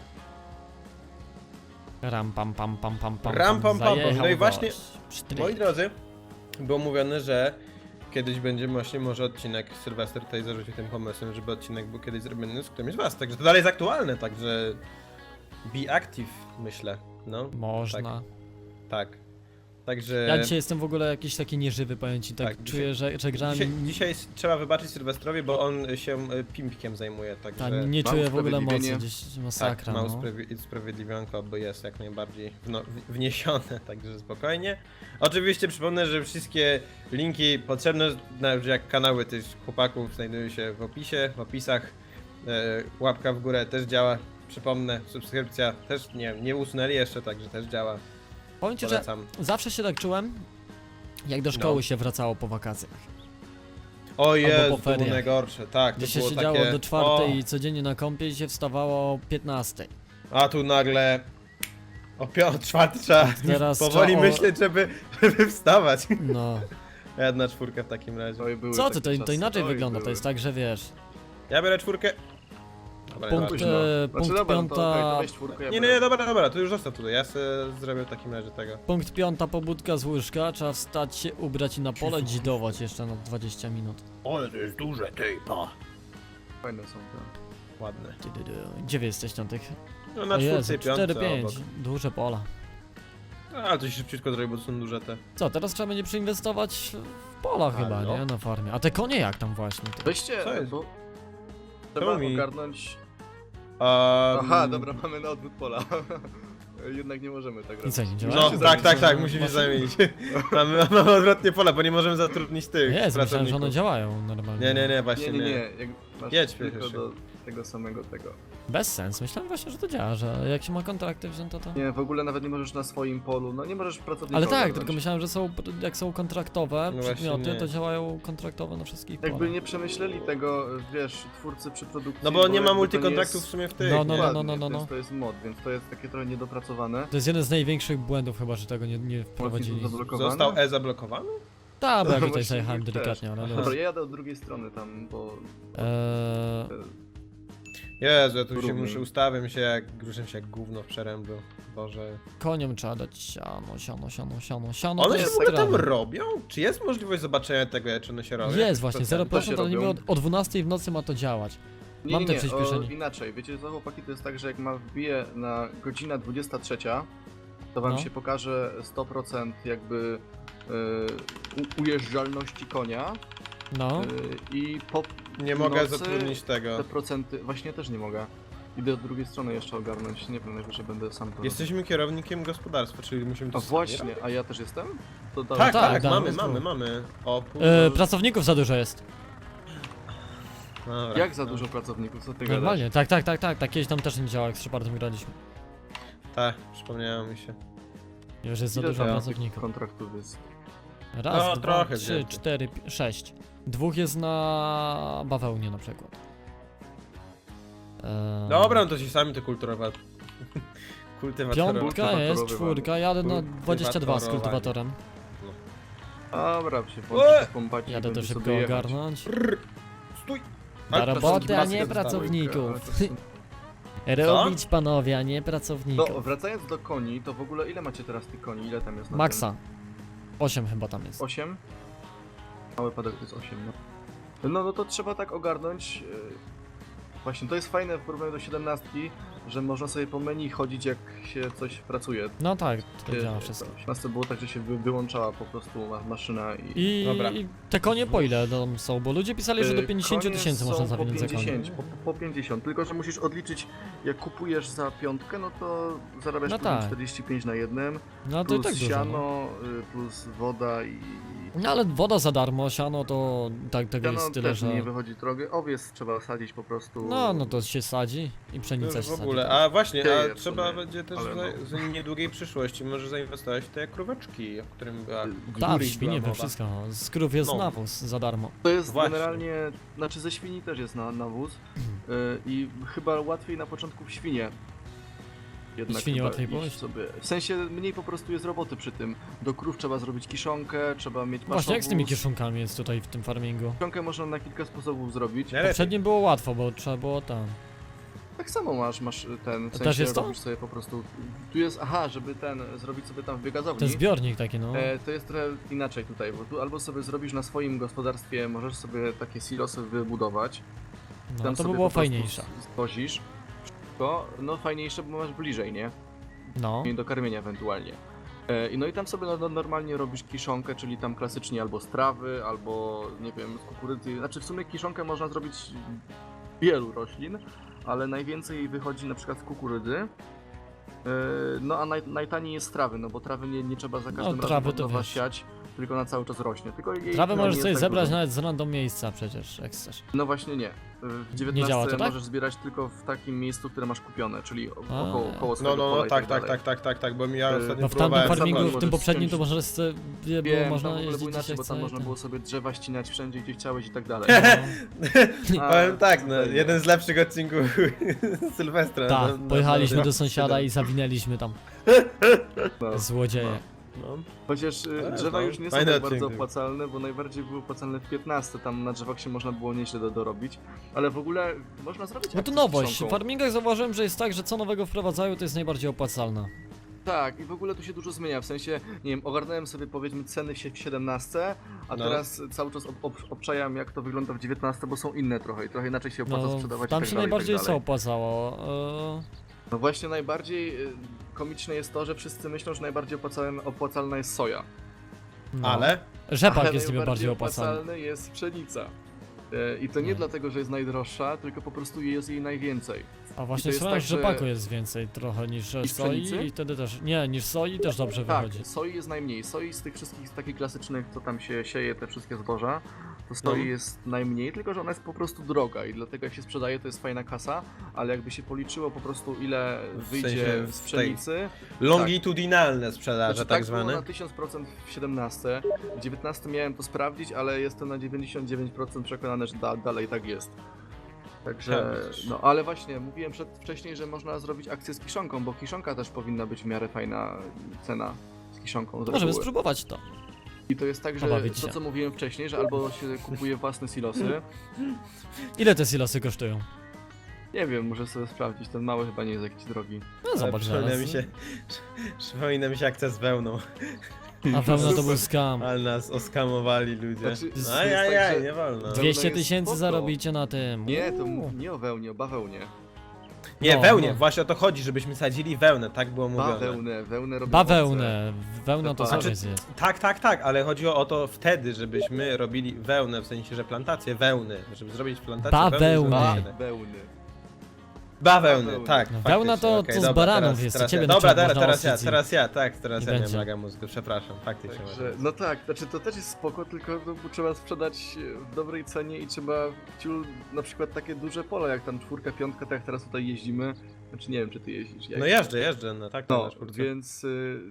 Speaker 2: Ram pam pam pam pam pam.
Speaker 1: Ram, pam, pam, pam.
Speaker 2: Zajechał
Speaker 1: No i właśnie-
Speaker 2: gość. Psztryk.
Speaker 1: Moi drodzy, było mówione, że kiedyś będzie właśnie może odcinek, Sylwester tutaj zarzucił tym pomysłem, żeby odcinek był kiedyś zrobiony z którymś z was, także to dalej jest aktualne, także be active, myślę, no,
Speaker 2: Można.
Speaker 1: tak, także...
Speaker 2: Ja dzisiaj jestem w ogóle jakiś taki nieżywy, powiem ci, tak,
Speaker 1: Tak,
Speaker 2: czuję, że, że grałem...
Speaker 1: Dzisiaj, dzisiaj s- trzeba wybaczyć Sylwestrowi, bo on się e, pimpkiem zajmuje,
Speaker 2: Tak,
Speaker 1: także...
Speaker 2: nie
Speaker 3: mam
Speaker 2: czuję w ogóle mocy,
Speaker 3: usprawiedliwienie.
Speaker 2: gdzieś
Speaker 1: Tak,
Speaker 2: masakra,
Speaker 1: ma
Speaker 2: no.
Speaker 1: usprawi- usprawiedliwionko, bo jest jak najbardziej wno- w- wniesione, także spokojnie. Oczywiście przypomnę, że wszystkie linki potrzebne, nawet jak kanały tych chłopaków znajdują się w opisie, w opisach. E, łapka w górę też działa, przypomnę, subskrypcja też nie, nie usunęli jeszcze, także też działa,
Speaker 2: Powiem ci, że
Speaker 1: polecam.
Speaker 2: zawsze się tak czułem, jak do szkoły
Speaker 1: No.
Speaker 2: się wracało po wakacjach.
Speaker 1: O Jezu,
Speaker 2: po
Speaker 1: to było
Speaker 2: feriach.
Speaker 1: najgorsze, tak, to
Speaker 2: Gdzie się
Speaker 1: było
Speaker 2: siedziało
Speaker 1: takie...
Speaker 2: do czwartej
Speaker 1: o,
Speaker 2: i codziennie na kąpie i się wstawało o piętnastej.
Speaker 1: A tu nagle... O piąt, czwarty trzeba
Speaker 2: Teraz
Speaker 1: powoli
Speaker 2: trzeba o-
Speaker 1: myśleć, żeby, żeby wstawać.
Speaker 2: No.
Speaker 1: Jedna czwórka w takim razie.
Speaker 3: Oj, były
Speaker 2: Co ty,
Speaker 3: takie
Speaker 2: to, to
Speaker 3: czasy.
Speaker 2: inaczej
Speaker 3: Oj,
Speaker 2: wygląda, to
Speaker 3: były.
Speaker 2: jest tak, że wiesz,
Speaker 1: Ja biorę czwórkę. Dobra,
Speaker 2: punkt,
Speaker 1: dobra.
Speaker 3: Późno.
Speaker 2: e,
Speaker 3: Znaczy,
Speaker 2: punkt
Speaker 3: dobra, no to, okej, to
Speaker 2: piąta,
Speaker 3: weź czwórkę, ja
Speaker 1: Nie, nie,
Speaker 3: biorę.
Speaker 1: nie, dobra, dobra, to już zostaw tutaj, ja sobie zrobię w takim razie tego.
Speaker 2: punkt piąta pobudka z łóżka, trzeba wstać się, ubrać i na pole dzidować jeszcze na dwadzieścia minut.
Speaker 1: Ale to jest duże, ty, pa.
Speaker 3: Fajne są te.
Speaker 1: Ładne.
Speaker 2: Ty, ty, ty. Gdzie wy jesteście na tych?
Speaker 1: No na
Speaker 2: O Jezu,
Speaker 1: czwórce i piątce
Speaker 2: cztery pięć,
Speaker 1: obok.
Speaker 2: duże pola.
Speaker 1: No, ale to się szybciutko zrobi, bo to są duże te.
Speaker 2: Co, teraz trzeba będzie przeinwestować w pola chyba,
Speaker 1: Halo?
Speaker 2: nie? Na farmie. A te konie jak tam właśnie? Ty?
Speaker 3: Weźcie,
Speaker 1: Co jest?
Speaker 3: bo...
Speaker 1: Czemu
Speaker 3: Trzeba
Speaker 1: mi-
Speaker 3: ogarnąć...
Speaker 1: Um,
Speaker 3: Aha, dobra, mamy na odwrót pola. Jednak nie możemy tak
Speaker 2: I
Speaker 3: robić.
Speaker 2: co, nie działa?
Speaker 1: No,
Speaker 3: Musimy się
Speaker 1: tak, tak,
Speaker 3: zamienić.
Speaker 1: tak, musimy się zamienić. mamy, mamy odwrotnie pola, bo nie możemy zatrudnić tych
Speaker 2: Jest, myślałem, że
Speaker 1: pracowników.
Speaker 2: one działają normalnie.
Speaker 1: Nie, nie, nie,
Speaker 3: Nie,
Speaker 1: właśnie
Speaker 3: nie,
Speaker 1: nie.
Speaker 3: nie, jak masz
Speaker 1: Jedź,
Speaker 3: tylko
Speaker 1: Piotr,
Speaker 3: do tego samego tego.
Speaker 2: Bez sens, myślałem właśnie, że to działa, że jak się ma kontrakty wzięte to...
Speaker 3: Nie, w ogóle nawet nie możesz na swoim polu, no nie możesz pracownika
Speaker 2: Ale tak,
Speaker 3: ogarnąć.
Speaker 2: tylko myślałem, że są, jak są kontraktowe
Speaker 1: No właśnie
Speaker 2: przedmioty,
Speaker 1: nie.
Speaker 2: to działają kontraktowo na wszystkich
Speaker 3: Jakby
Speaker 2: polach.
Speaker 3: nie przemyśleli tego, wiesz, twórcy przy produkcji.
Speaker 1: No bo nie ma
Speaker 3: jakby to
Speaker 1: multikontraktów w
Speaker 3: jest-
Speaker 1: sumie w tych.
Speaker 2: No, no,
Speaker 1: nie?
Speaker 2: no,
Speaker 3: Dokładnie,
Speaker 2: no, no, no.
Speaker 3: To, jest, to jest mod, więc to jest takie trochę niedopracowane.
Speaker 2: To jest jeden z największych błędów chyba, że tego nie, nie wprowadzili.
Speaker 3: zablokowane.
Speaker 1: Został E zablokowany?
Speaker 2: Tak, bo ja tutaj
Speaker 3: Właśnie
Speaker 2: zajechałem
Speaker 3: też.
Speaker 2: delikatnie, ale
Speaker 3: Dobra,
Speaker 2: luz.
Speaker 3: ja jadę od drugiej strony tam, bo...
Speaker 2: Eee,
Speaker 1: Jezu, ja tu się
Speaker 3: Równiej.
Speaker 1: muszę ustawiam się jak, ruszę się jak gówno w przerębu. Boże.
Speaker 2: koniom trzeba dać siano, siano, siano, siano, siano
Speaker 1: One
Speaker 2: to
Speaker 1: się
Speaker 2: jest
Speaker 1: w ogóle tam
Speaker 2: trawa.
Speaker 1: robią? Czy jest możliwość zobaczenia tego, czy one się robią?
Speaker 2: Jest właśnie, zero
Speaker 3: To się
Speaker 2: procent, ale niby
Speaker 3: robią.
Speaker 2: od, o dwunastej w nocy ma to działać.
Speaker 3: Nie,
Speaker 2: Mam
Speaker 3: nie,
Speaker 2: te
Speaker 3: nie,
Speaker 2: przyspieszenie.
Speaker 3: o, inaczej, wiecie co chłopaki, to jest tak, że jak ma wbije na godzinę dwudziesta trzecia, to wam
Speaker 2: No.
Speaker 3: się pokaże sto procent jakby y, u- ujeżdżalności konia
Speaker 2: No,
Speaker 3: y, i po
Speaker 1: Nie mogę
Speaker 3: nocy
Speaker 1: zatrudnić tego.
Speaker 3: te procenty, właśnie też nie mogę. Idę od drugiej strony jeszcze ogarnąć, nie wiem, najwyżej będę sam to
Speaker 1: Jesteśmy kierownikiem gospodarstwa, czyli musimy to
Speaker 3: A
Speaker 1: sami
Speaker 3: właśnie,
Speaker 1: robić?
Speaker 3: a ja też jestem? To
Speaker 1: Tak,
Speaker 3: dalej.
Speaker 1: tak,
Speaker 2: tak, damy
Speaker 1: mamy,
Speaker 2: znowu.
Speaker 1: mamy, mamy. O, pół...
Speaker 2: e, pracowników za dużo jest.
Speaker 1: Dobra.
Speaker 3: Jak za dużo pracowników, co ty gadasz?
Speaker 2: Normalnie, tak, tak, tak, tak, tak, kiedyś tam też nie działał, jak z Shepardem graliśmy.
Speaker 1: Tak, przypomniało mi się.
Speaker 2: Już jest za
Speaker 3: Ile
Speaker 2: dużo
Speaker 3: tam
Speaker 2: pracowników.
Speaker 3: kontraktów jest?
Speaker 2: Raz,
Speaker 1: No,
Speaker 2: dwa,
Speaker 1: trochę
Speaker 2: trzy,
Speaker 1: więcej.
Speaker 2: cztery, pi- sześć. Dwóch jest na bawełnie na przykład. Eee,
Speaker 1: Dobra, no to się sami to kulturowa... Kultywatorowa.
Speaker 2: Piątka jest,
Speaker 3: Kultywatorowy
Speaker 2: czwórka, jadę na dwadzieścia dwa z
Speaker 1: Kultywatorowanie.
Speaker 2: kultywatorem.
Speaker 3: Dobra, się
Speaker 1: Ue!
Speaker 3: włączy pompać i
Speaker 2: Jadę to
Speaker 3: będzie
Speaker 2: szybko
Speaker 3: sobie jechać.
Speaker 2: ogarnąć.
Speaker 1: Stój!
Speaker 2: Na
Speaker 1: Ale to
Speaker 2: roboty,
Speaker 1: wszystkie
Speaker 2: a
Speaker 1: pasy
Speaker 2: nie
Speaker 1: dostały.
Speaker 2: pracowników.
Speaker 3: Ale to-
Speaker 2: Robić panowie, a nie
Speaker 3: To
Speaker 2: pracowników.
Speaker 3: wracając do koni, to w ogóle ile macie teraz tych koni? Ile tam jest na
Speaker 2: Maxa. osiem chyba tam jest.
Speaker 3: tym? osiem? Mały padek to jest osiem, no. No, no to trzeba tak ogarnąć. e, Właśnie, to jest fajne w porównaniu do siedemnastki, że można sobie po menu chodzić jak się coś pracuje.
Speaker 2: No tak, to
Speaker 3: E,
Speaker 2: działa
Speaker 3: to
Speaker 2: wszystko.
Speaker 3: W siedemnastce było tak, że się wy, wyłączała po prostu ma- maszyna i...
Speaker 2: I,
Speaker 1: Dobra.
Speaker 2: I te konie po ile tam są? Bo ludzie pisali, że do
Speaker 3: E,
Speaker 2: pięćdziesiąt
Speaker 3: konie
Speaker 2: tysięcy
Speaker 3: są
Speaker 2: można
Speaker 3: po
Speaker 2: zawinąć za konie.
Speaker 3: pięćdziesiąt, po, po pięćdziesiąt, tylko że musisz odliczyć, jak kupujesz za piątkę, no to zarabiasz
Speaker 2: No
Speaker 3: później
Speaker 2: tak.
Speaker 3: czterdzieści pięć na jednym,
Speaker 2: No to i
Speaker 3: plus
Speaker 2: tak dużo. No.
Speaker 3: siano, y, plus woda i...
Speaker 2: no ale woda za darmo, siano to tak tego
Speaker 3: Siano
Speaker 2: jest tyle,
Speaker 3: też
Speaker 2: że...
Speaker 3: nie wychodzi drogie, owiec trzeba sadzić po prostu...
Speaker 2: No, no to się sadzi i
Speaker 1: No
Speaker 2: pszenica
Speaker 1: już
Speaker 2: się
Speaker 1: w
Speaker 2: sadzi.
Speaker 1: ogóle,
Speaker 2: tak.
Speaker 1: a właśnie,
Speaker 3: Dzieje
Speaker 1: a
Speaker 3: w
Speaker 1: trzeba
Speaker 3: sumie,
Speaker 1: będzie też
Speaker 3: ale
Speaker 1: za,
Speaker 3: no.
Speaker 1: w niedługiej przyszłości może zainwestować w te króweczki, o którym była
Speaker 2: Tak, w
Speaker 1: Guri
Speaker 2: świnie,
Speaker 1: była
Speaker 2: we
Speaker 1: mowa.
Speaker 2: wszystko. Z krów jest
Speaker 1: No.
Speaker 2: nawóz za darmo.
Speaker 3: To jest
Speaker 1: Właśnie.
Speaker 3: generalnie, znaczy ze świni też jest na, nawóz y, i chyba łatwiej na początku w świnie. Jednak
Speaker 2: Świnie
Speaker 3: chyba
Speaker 2: łatwiej
Speaker 3: iść
Speaker 2: pójść?
Speaker 3: sobie. W sensie mniej po prostu jest roboty przy tym. Do krów trzeba zrobić kiszonkę, trzeba mieć
Speaker 2: Właśnie jak z tymi
Speaker 3: paszowóz.
Speaker 2: kiszonkami jest tutaj w tym farmingu?
Speaker 3: Kiszonkę można na kilka sposobów zrobić.
Speaker 1: Najlepiej.
Speaker 2: Poprzednim było łatwo, bo trzeba było tam.
Speaker 3: Tak samo masz, masz ten, w
Speaker 2: To
Speaker 3: sensie
Speaker 2: też jest to?
Speaker 3: robisz sobie po prostu... Tu jest, aha, żeby ten, zrobić sobie tam w biogazowni.
Speaker 2: Ten zbiornik taki, no.
Speaker 3: E, to jest trochę inaczej tutaj, bo tu albo sobie zrobisz na swoim gospodarstwie, możesz sobie takie silosy wybudować.
Speaker 2: No
Speaker 3: Tam
Speaker 2: to by
Speaker 3: sobie
Speaker 2: było
Speaker 3: po prostu
Speaker 2: fajniejsze.
Speaker 3: z- Zwozisz. To, no fajniejsze, bo masz bliżej, nie?
Speaker 2: No.
Speaker 3: I do karmienia ewentualnie. E, i no i tam sobie no, no, normalnie robisz kiszonkę, czyli tam klasycznie albo z trawy, albo nie wiem, z kukurydzy. Znaczy w sumie kiszonkę można zrobić z wielu roślin, ale najwięcej jej wychodzi na przykład z kukurydzy. E, no a naj, najtaniej jest z trawy, no bo trawy nie, nie trzeba za każdym
Speaker 2: No,
Speaker 3: razem
Speaker 2: trawy
Speaker 3: od
Speaker 2: to
Speaker 3: nowa
Speaker 2: wiesz.
Speaker 3: siać, tylko na cały czas rośnie. Tylko jej
Speaker 2: Trawę
Speaker 3: no,
Speaker 2: możesz
Speaker 3: nie
Speaker 2: sobie
Speaker 3: jest tak
Speaker 2: zebrać
Speaker 3: dużo.
Speaker 2: nawet z random miejsca przecież, jak chcesz.
Speaker 3: No właśnie nie. W dziewiętnastce
Speaker 2: działa to tak?
Speaker 3: możesz zbierać tylko w takim miejscu, które masz kupione, czyli o-
Speaker 2: A.
Speaker 3: około, około
Speaker 1: No,
Speaker 3: swojego
Speaker 1: no,
Speaker 3: pola
Speaker 1: no,
Speaker 3: i
Speaker 1: tak, tak,
Speaker 3: dalej.
Speaker 1: tak, tak, tak, tak, bo ja
Speaker 3: Yy,
Speaker 1: ostatnio
Speaker 2: No w tamtym
Speaker 1: próbowałem
Speaker 2: farmingu,
Speaker 3: zabrać,
Speaker 2: w tym
Speaker 3: możesz
Speaker 2: poprzednim to
Speaker 3: ściąć-
Speaker 2: możesz sobie, było
Speaker 3: Wiem,
Speaker 2: można
Speaker 3: tam w ogóle
Speaker 2: jeździć
Speaker 3: było
Speaker 2: gdzie
Speaker 3: inaczej,
Speaker 2: się
Speaker 3: bo tam
Speaker 2: chce i
Speaker 3: można
Speaker 2: ten.
Speaker 3: było sobie drzewa ścinać wszędzie, gdzie chciałeś i tak dalej.
Speaker 2: No.
Speaker 3: A,
Speaker 1: Powiem tak, no,
Speaker 3: tutaj nie.
Speaker 1: jeden z lepszych odcinków Sylwestra.
Speaker 2: Tak,
Speaker 1: no, no,
Speaker 2: pojechaliśmy
Speaker 1: no,
Speaker 2: do sąsiada i zawinęliśmy tam.
Speaker 3: No.
Speaker 2: Złodzieje.
Speaker 1: No.
Speaker 3: Chociaż y,
Speaker 1: Ale
Speaker 3: drzewa
Speaker 1: no,
Speaker 3: już nie są
Speaker 1: fajny
Speaker 3: tak bardzo
Speaker 1: odcinek.
Speaker 3: opłacalne, bo najbardziej były opłacalne w piętnastce, tam na drzewach się można było nieźle do, dorobić, ale w ogóle można zrobić
Speaker 2: No to
Speaker 3: akcję z
Speaker 2: nowość. W
Speaker 3: kiszonką.
Speaker 2: farmingach zauważyłem, że jest tak, że co nowego wprowadzają, to jest najbardziej opłacalne.
Speaker 3: Tak, i w ogóle tu się dużo zmienia, w sensie, nie wiem, ogarnąłem sobie powiedzmy ceny w sie- w siedemnastce, a
Speaker 1: No.
Speaker 3: teraz cały czas ob ob obczajam jak to wygląda w dziewiętnastce, bo są inne trochę i trochę inaczej się opłaca
Speaker 2: No,
Speaker 3: sprzedawać
Speaker 2: tam
Speaker 3: i tak
Speaker 2: się
Speaker 3: dalej, i
Speaker 2: najbardziej
Speaker 3: tak
Speaker 2: co
Speaker 3: dalej.
Speaker 2: opłacało? E,
Speaker 3: No właśnie najbardziej y, komiczne jest to, że wszyscy myślą, że najbardziej opłacalna, opłacalna jest soja.
Speaker 2: no.
Speaker 1: Ale?
Speaker 2: Rzepak
Speaker 3: Ale
Speaker 2: jest niby bardziej
Speaker 3: najbardziej
Speaker 2: opłacalny.
Speaker 3: opłacalny jest pszenica. E, I to nie
Speaker 2: No.
Speaker 3: dlatego, że jest najdroższa, tylko po prostu jest jej najwięcej.
Speaker 2: A właśnie
Speaker 3: jest
Speaker 2: słyszałem,
Speaker 3: tak,
Speaker 2: że
Speaker 3: że-
Speaker 2: rzepaku jest więcej trochę niż
Speaker 3: Niż
Speaker 2: soi
Speaker 3: pszenicy?
Speaker 2: i wtedy też, nie, niż soi też dobrze
Speaker 3: Tak,
Speaker 2: wychodzi.
Speaker 3: soi jest najmniej. Soi z tych wszystkich z takich klasycznych, co tam się sieje, te wszystkie zboża, to soi
Speaker 1: No.
Speaker 3: jest najmniej, tylko że ona jest po prostu droga i dlatego jak się sprzedaje, to jest fajna kasa, ale jakby się policzyło po prostu ile
Speaker 1: W
Speaker 3: wyjdzie
Speaker 1: sensie
Speaker 3: z
Speaker 1: w
Speaker 3: pszenicy,
Speaker 1: Longitudinalne sprzedaże,
Speaker 3: znaczy,
Speaker 1: tak
Speaker 3: tak było
Speaker 1: zwane.
Speaker 3: na tysiąc procent w siedemnastce, w dziewiętnastce miałem to sprawdzić, ale jestem na dziewięćdziesiąt dziewięć procent przekonany, że da, dalej tak jest. Także,
Speaker 1: Ja,
Speaker 3: no ale właśnie, mówiłem przed, wcześniej, że można zrobić akcję z kiszonką, bo kiszonka też powinna być w miarę fajna cena z kiszonką z
Speaker 2: Możemy
Speaker 3: reguły.
Speaker 2: spróbować to.
Speaker 3: I to jest tak, że
Speaker 2: Pobawić
Speaker 3: to
Speaker 2: się.
Speaker 3: co mówiłem wcześniej, że albo się kupuje własne silosy,
Speaker 2: Ile te silosy kosztują?
Speaker 3: nie wiem, muszę sobie sprawdzić, ten mały chyba nie jest jakiś drogi.
Speaker 2: No
Speaker 1: Ale
Speaker 2: zobacz
Speaker 1: przypomina
Speaker 2: zaraz.
Speaker 1: mi się, przypomina mi się akcja z wełną,
Speaker 2: A wełna to był skam.
Speaker 1: ale nas oskamowali ludzie.
Speaker 3: Znaczy,
Speaker 1: No
Speaker 3: jest
Speaker 1: ajajaj,
Speaker 3: tak, że-
Speaker 1: nie wolno.
Speaker 3: Dwie-
Speaker 2: dwieście
Speaker 3: jest
Speaker 2: tysięcy
Speaker 3: spoko.
Speaker 2: zarobicie na tym.
Speaker 3: Nie, to
Speaker 2: Uuu.
Speaker 3: m- nie o wełnie, o bawełnie.
Speaker 1: Nie,
Speaker 2: No,
Speaker 1: wełnie,
Speaker 2: no.
Speaker 1: właśnie o to chodzi, żebyśmy sadzili wełnę, tak było mówione.
Speaker 3: Bawełnę, wełnę robią
Speaker 2: Bawełnę. Wełna to
Speaker 3: Znaczy,
Speaker 2: zaraz jest.
Speaker 1: Tak, tak, tak, ale chodziło o to wtedy, żebyśmy robili wełnę, w sensie, że plantację wełny, żeby zrobić plantację
Speaker 2: Bawełny.
Speaker 1: wełny.
Speaker 3: owce. Bawełny.
Speaker 1: Bawełny,
Speaker 3: Bawełny.
Speaker 1: tak.
Speaker 2: No,
Speaker 1: faktycznie,
Speaker 2: wełna to-
Speaker 1: okej,
Speaker 2: to z
Speaker 1: dobra,
Speaker 2: baranów
Speaker 1: teraz,
Speaker 2: jest,
Speaker 1: teraz
Speaker 2: to ciebie
Speaker 1: ja.
Speaker 2: na
Speaker 1: Dobra,
Speaker 2: przykład
Speaker 1: teraz,
Speaker 2: można
Speaker 1: teraz ja,
Speaker 2: ostrzyć i-
Speaker 1: teraz ja, tak, teraz
Speaker 2: i
Speaker 1: ja miałem
Speaker 2: będzie.
Speaker 1: laga mózgu, przepraszam, faktycznie.
Speaker 3: Także, no tak, znaczy to też jest spoko, tylko no, bo trzeba sprzedać w dobrej cenie i trzeba ciul na przykład takie duże pole, jak tam czwórka, piątka, tak jak teraz tutaj jeździmy. Znaczy nie wiem, czy ty jeździsz. Ja
Speaker 1: No jeżdżę, jeżdżę, no tak,
Speaker 3: No,
Speaker 1: na czwórce.
Speaker 3: więc y,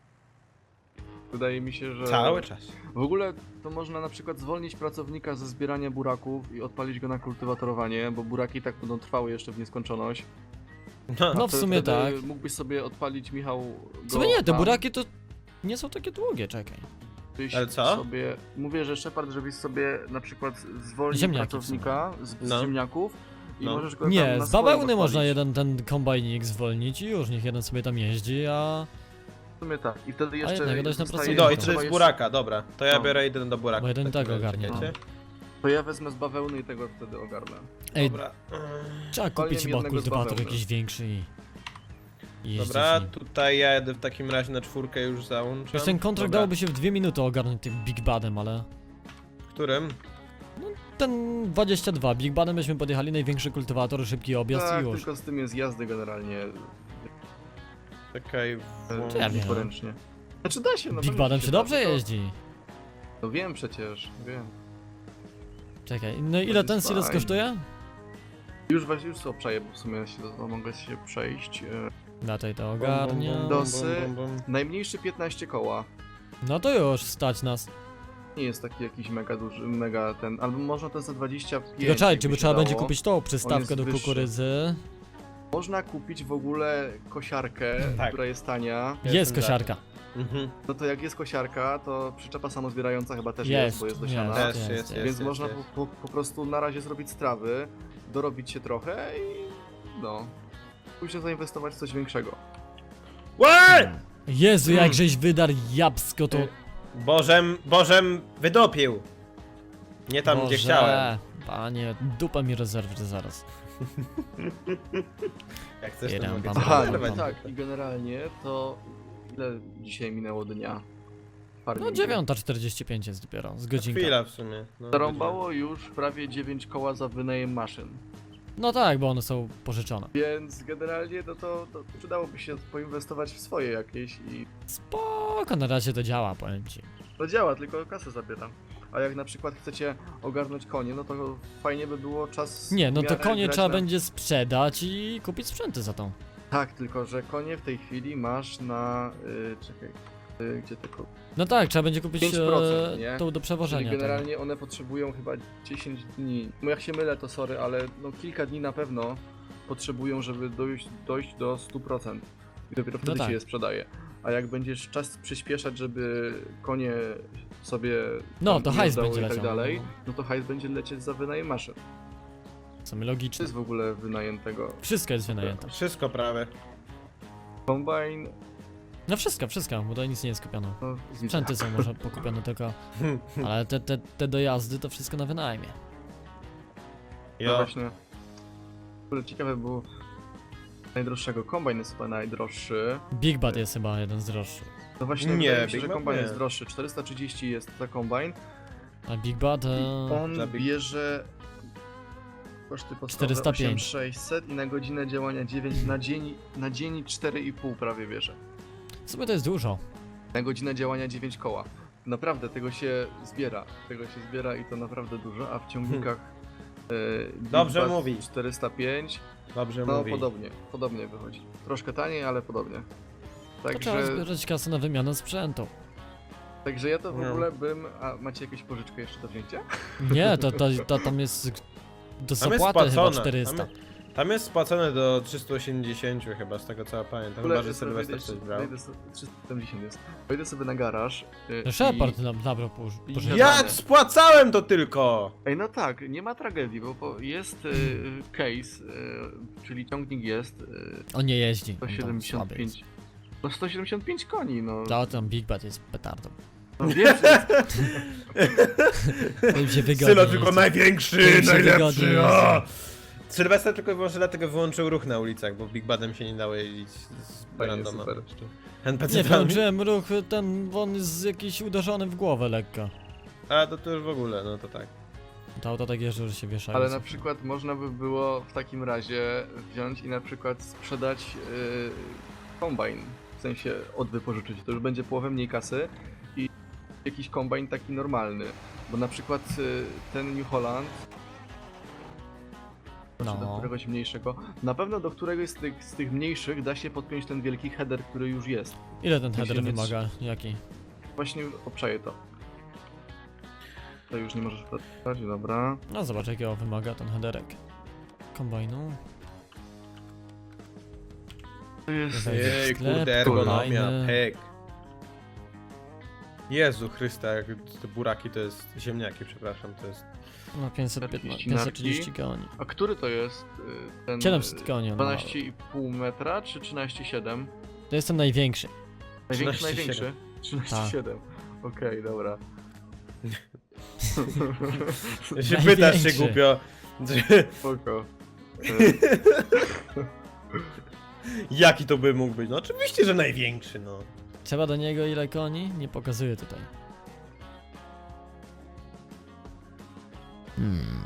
Speaker 3: wydaje mi się, że
Speaker 1: Cały czas.
Speaker 3: w ogóle to można na przykład zwolnić pracownika ze zbierania buraków i odpalić go na kultywatorowanie, bo buraki i tak będą trwały jeszcze w nieskończoność.
Speaker 1: No,
Speaker 2: No w
Speaker 3: Wtedy-
Speaker 2: sumie
Speaker 3: wtedy
Speaker 2: tak.
Speaker 3: Mógłbyś sobie odpalić, Michał,
Speaker 2: W
Speaker 3: go
Speaker 2: sumie nie, te
Speaker 3: tam,
Speaker 2: buraki to nie są takie długie, czekaj.
Speaker 3: byś
Speaker 1: Ale co?
Speaker 3: Sobie, mówię, że Shepard, żebyś sobie na przykład zwolnił
Speaker 2: Ziemniaki w
Speaker 3: pracownika z, z
Speaker 1: No.
Speaker 3: ziemniaków i
Speaker 1: No.
Speaker 3: możesz go tam
Speaker 2: Nie,
Speaker 3: na
Speaker 2: z
Speaker 3: swoim
Speaker 2: bawełny można
Speaker 3: odpalić.
Speaker 2: jeden ten kombajnik zwolnić i już niech jeden sobie tam jeździ, a
Speaker 3: sumie tak. I wtedy jeszcze
Speaker 2: jednak dać na
Speaker 3: zostaje-
Speaker 2: pracowników.
Speaker 1: No i
Speaker 2: to
Speaker 1: to
Speaker 3: trzeba
Speaker 1: jest
Speaker 3: jeszcze-
Speaker 1: buraka, dobra. To ja
Speaker 3: No.
Speaker 1: biorę jeden do buraka.
Speaker 2: Bo jeden
Speaker 1: w takim
Speaker 2: tak
Speaker 1: razie,
Speaker 2: ogarnie,
Speaker 1: czekajcie.
Speaker 3: To ja wezmę z bawełny i tego wtedy ogarnę.
Speaker 2: Ej,
Speaker 1: Dobra.
Speaker 2: trzeba
Speaker 3: Palnie
Speaker 2: kupić chyba
Speaker 3: jednego z
Speaker 2: kultywator
Speaker 3: bawełny.
Speaker 2: jakiś większy i... i jeździć
Speaker 1: Dobra,
Speaker 2: nim.
Speaker 1: tutaj ja jedę w takim razie na czwórkę już załączam.
Speaker 2: Już ten kontrakt
Speaker 1: Dobra.
Speaker 2: dałoby się w dwie minuty ogarnąć tym Big Badem, ale...
Speaker 1: W którym?
Speaker 2: Ten dwadzieścia dwa, Big Badem byśmy podjechali, największy kultywator, szybki objazd
Speaker 3: Tak,
Speaker 2: i już.
Speaker 3: tylko z tym jest jazdy generalnie
Speaker 1: Czekaj.
Speaker 3: e,
Speaker 2: Ja wiem.
Speaker 3: poręcznie. Znaczy da się, no
Speaker 2: Big
Speaker 3: pewnie
Speaker 2: Badem
Speaker 3: się
Speaker 2: się
Speaker 3: da,
Speaker 2: dobrze
Speaker 3: tylko-
Speaker 2: jeździ.
Speaker 3: No wiem przecież, wiem.
Speaker 2: Czekaj, no ile
Speaker 3: jest
Speaker 2: ten Silos
Speaker 3: fajne.
Speaker 2: kosztuje?
Speaker 3: Już właśnie już sobie obczaję, bo w sumie się, no, mogę się przejść. E,
Speaker 2: Na tej to
Speaker 1: Bum, bum,
Speaker 2: ogarnia.
Speaker 1: bum,
Speaker 3: Dosy.
Speaker 1: bum, bum, bum.
Speaker 3: najmniejszy piętnaście koła.
Speaker 2: No to już, stać nas.
Speaker 3: Nie jest taki jakiś mega duży, mega ten, albo można ten za dwadzieścia pięć.
Speaker 2: Tylko czekaj,
Speaker 3: jakby
Speaker 2: czy by
Speaker 3: się
Speaker 2: trzeba
Speaker 3: dało.
Speaker 2: będzie kupić tą przystawkę
Speaker 3: jest
Speaker 2: do
Speaker 3: wyższy.
Speaker 2: kukurydzy.
Speaker 3: Można kupić w ogóle kosiarkę,
Speaker 1: Tak.
Speaker 3: która jest tania.
Speaker 1: Ja
Speaker 2: Jest
Speaker 1: jestem za
Speaker 2: kosiarka.
Speaker 1: Mhm.
Speaker 3: No to jak jest kosiarka, to przyczepa samozbierająca chyba też
Speaker 2: Jest,
Speaker 3: jest, bo jest dosiana.
Speaker 2: jest,
Speaker 1: Też
Speaker 2: jest,
Speaker 1: jest,
Speaker 2: jest.
Speaker 1: jest,
Speaker 3: Więc
Speaker 1: jest,
Speaker 3: można
Speaker 1: jest.
Speaker 3: po, po, po prostu na razie zrobić strawy, dorobić się trochę i no. Później zainwestować w coś większego.
Speaker 1: Łe!
Speaker 2: Jezu,
Speaker 3: Hmm.
Speaker 2: jak żeś wydarł jabłsko, to...
Speaker 1: Bożem, Bożem wydopił. Nie tam, gdzie
Speaker 2: Boże,
Speaker 1: chciałem.
Speaker 2: Panie, dupa mi rezerwy zaraz.
Speaker 1: Jak chcesz, to
Speaker 2: Jeden,
Speaker 1: mogę
Speaker 2: pam,
Speaker 1: ci
Speaker 2: pam,
Speaker 3: Aha,
Speaker 2: pam,
Speaker 3: no
Speaker 1: zerwać.
Speaker 2: pam.
Speaker 3: tak, i generalnie to ile dzisiaj minęło dnia?
Speaker 2: No dziewiąta czterdzieści pięć jest dopiero, z godzinka.
Speaker 1: Chwila w sumie. No,
Speaker 3: Zarąbało już prawie dziewięć koła za wynajem maszyn.
Speaker 2: No tak, bo one są pożyczone.
Speaker 3: Więc generalnie no to, to przydałoby się poinwestować w swoje jakieś i
Speaker 2: Spoko, na razie to działa, powiem ci.
Speaker 3: to działa, tylko kasę zabiera. A jak na przykład chcecie ogarnąć konie, no to fajnie by było czas.
Speaker 2: Nie, no
Speaker 3: w
Speaker 2: to
Speaker 3: miarę
Speaker 2: konie
Speaker 3: grać
Speaker 2: trzeba
Speaker 3: na...
Speaker 2: będzie sprzedać i kupić sprzęty za tą.
Speaker 3: Tak, tylko że konie w tej chwili masz na. Yy, czekaj. Yy, gdzie tylko.
Speaker 2: No tak, trzeba będzie kupić
Speaker 3: pięć procent,
Speaker 2: e,
Speaker 3: nie?
Speaker 2: tą do
Speaker 3: Czyli
Speaker 2: przewożenia.
Speaker 3: generalnie one potrzebują chyba dziesięć dni. No jak się mylę, to sorry, ale no kilka dni na pewno potrzebują, żeby dojść, dojść do stu procent. I dopiero wtedy
Speaker 2: tak.
Speaker 3: się je sprzedaje. A jak będziesz czas przyspieszać, żeby konie sobie.
Speaker 2: No,
Speaker 3: tam
Speaker 2: to hajs
Speaker 3: jazdało
Speaker 2: będzie
Speaker 3: i tak
Speaker 2: leciał,
Speaker 3: dalej,
Speaker 2: no.
Speaker 3: no to hajs będzie lecieć za wynajem maszyn.
Speaker 2: W sumie
Speaker 3: Co
Speaker 2: logiczne.
Speaker 3: jest w ogóle wynajętego?
Speaker 2: Wszystko jest wynajęte.
Speaker 1: Wszystko prawie.
Speaker 3: Combine.
Speaker 2: No wszystko, wszystko, bo tutaj nic nie jest kupione.
Speaker 3: No, widzę.
Speaker 2: Sprzęty są może pokupione tylko, ale te, te, te dojazdy to wszystko na wynajmie.
Speaker 3: No
Speaker 1: Jo.
Speaker 3: właśnie. W ogóle ciekawe było. Najdroższego Combine jest chyba najdroższy.
Speaker 2: Big Bad jest chyba jeden z droższych.
Speaker 3: No właśnie,
Speaker 1: Nie,
Speaker 3: wydaje mi się,
Speaker 1: Big
Speaker 3: że
Speaker 1: Mac
Speaker 3: Combine
Speaker 1: nie.
Speaker 3: jest droższy. czterysta trzydzieści jest za Combine.
Speaker 2: A Big Bad...
Speaker 3: I
Speaker 2: E...
Speaker 3: on
Speaker 1: za Big-
Speaker 3: bierze koszty podstawowe
Speaker 2: czterysta pięć.
Speaker 3: osiem tysięcy sześćset i na godzinę działania dziewięć, na dzień, na dzień cztery i pół prawie bierze.
Speaker 2: W sumie to jest dużo.
Speaker 3: Na godzinę działania dziewięć koła. Naprawdę, tego się zbiera. Tego się zbiera i to naprawdę dużo, a w ciągnikach e, Big
Speaker 1: Dobrze
Speaker 3: Bad
Speaker 1: mówi.
Speaker 3: czterysta pięć,
Speaker 1: Dobrze
Speaker 3: no
Speaker 1: mówi.
Speaker 3: podobnie, podobnie wychodzi. Troszkę taniej, ale podobnie.
Speaker 2: To trzeba
Speaker 3: Także,
Speaker 2: zbierać kasę na wymianę sprzętu.
Speaker 3: także ja to w
Speaker 1: No.
Speaker 3: ogóle bym... A macie jakąś pożyczkę jeszcze do wzięcia?
Speaker 2: Nie, to, to, to tam jest do
Speaker 1: Tam jest
Speaker 2: zapłaty chyba
Speaker 1: spłacone.
Speaker 2: czterysta.
Speaker 1: Tam, tam jest spłacone do trzystu osiemdziesięciu chyba, z tego co ja pamiętam. Chyba, że
Speaker 3: sobie
Speaker 1: Sylwester
Speaker 3: wejdę
Speaker 1: coś
Speaker 3: sobie-
Speaker 1: brał.
Speaker 3: wejdę sobie- trzysta siedemdziesiąt jest. Wejdę sobie na garaż. y,
Speaker 2: No Shepard nam nabrał po,
Speaker 3: i-
Speaker 2: pożyczkę.
Speaker 3: Ja-
Speaker 1: Jak spłacałem to tylko!
Speaker 3: Ej, no tak, nie ma tragedii, bo po- jest y, case, y, czyli ciągnik jest y,
Speaker 2: On nie jeździ.
Speaker 3: sto
Speaker 2: on tam
Speaker 3: siedemdziesiąt
Speaker 2: słaby jest.
Speaker 3: pięć. No sto siedemdziesiąt pięć koni, no.
Speaker 2: To tam Big Bad jest petardą.
Speaker 3: no wiem, że jest,
Speaker 2: To im się wygodnie
Speaker 1: Sylo tylko
Speaker 2: jeździ.
Speaker 1: największy,
Speaker 2: To im się wygodnie
Speaker 1: najlepszy!
Speaker 2: jeździ.
Speaker 1: O! Sylwester tylko i wyłącznie dlatego wyłączył ruch na ulicach, bo Big Badem się nie dało jeździć z
Speaker 3: Fajnie,
Speaker 1: randoma.
Speaker 3: super.
Speaker 2: Nie,
Speaker 1: N P C-tami.
Speaker 2: włączyłem ruch, ten, on jest jakiś uderzony w głowę lekko.
Speaker 1: A to, to już w ogóle, no to tak.
Speaker 2: To auto tak jeżdżą, że się wieszają.
Speaker 3: ale na przykład można by było w takim razie wziąć i na przykład sprzedać y, kombajn, w sensie odwypożyczyć, to już będzie połowę mniej kasy i jakiś kombajn taki normalny, bo na przykład y, ten New Holland Znaczy do
Speaker 2: No.
Speaker 3: któregoś mniejszego. Na pewno do któregoś z tych, z tych mniejszych da się podpiąć ten wielki header, który już jest.
Speaker 2: Ile ten
Speaker 3: Jeśli
Speaker 2: header
Speaker 3: nie
Speaker 2: wymaga? Jaki?
Speaker 3: Właśnie obczaję to. To już nie możesz podpisać, dobra.
Speaker 2: No zobacz jakiego wymaga ten headerek. Kombajnu.
Speaker 3: To jest...
Speaker 2: Wejdę w
Speaker 1: Jej,
Speaker 2: sklep,
Speaker 1: kurde, ergonomia,
Speaker 2: kolejny.
Speaker 1: pek. Jezu Chrysta, jak te buraki to jest, ziemniaki przepraszam, to jest...
Speaker 2: No pięćset piętnaście,
Speaker 3: czterdzieści
Speaker 2: pięćset trzydzieści koni.
Speaker 3: A który to jest y, ten...
Speaker 2: siedemset koni on ma.
Speaker 3: dwanaście i pół metra czy trzynaście przecinek siedem?
Speaker 2: To jest ten największy.
Speaker 3: Największy,
Speaker 1: trzynaście
Speaker 3: największy? trzynaście siedem. Okej, dobra.
Speaker 1: Się pytasz się
Speaker 2: Największy.
Speaker 1: głupio.
Speaker 3: Spoko.
Speaker 1: Jaki to by mógł być? No oczywiście, że największy, no.
Speaker 2: Trzeba do niego ile koni? Nie pokazuje tutaj. Hmm.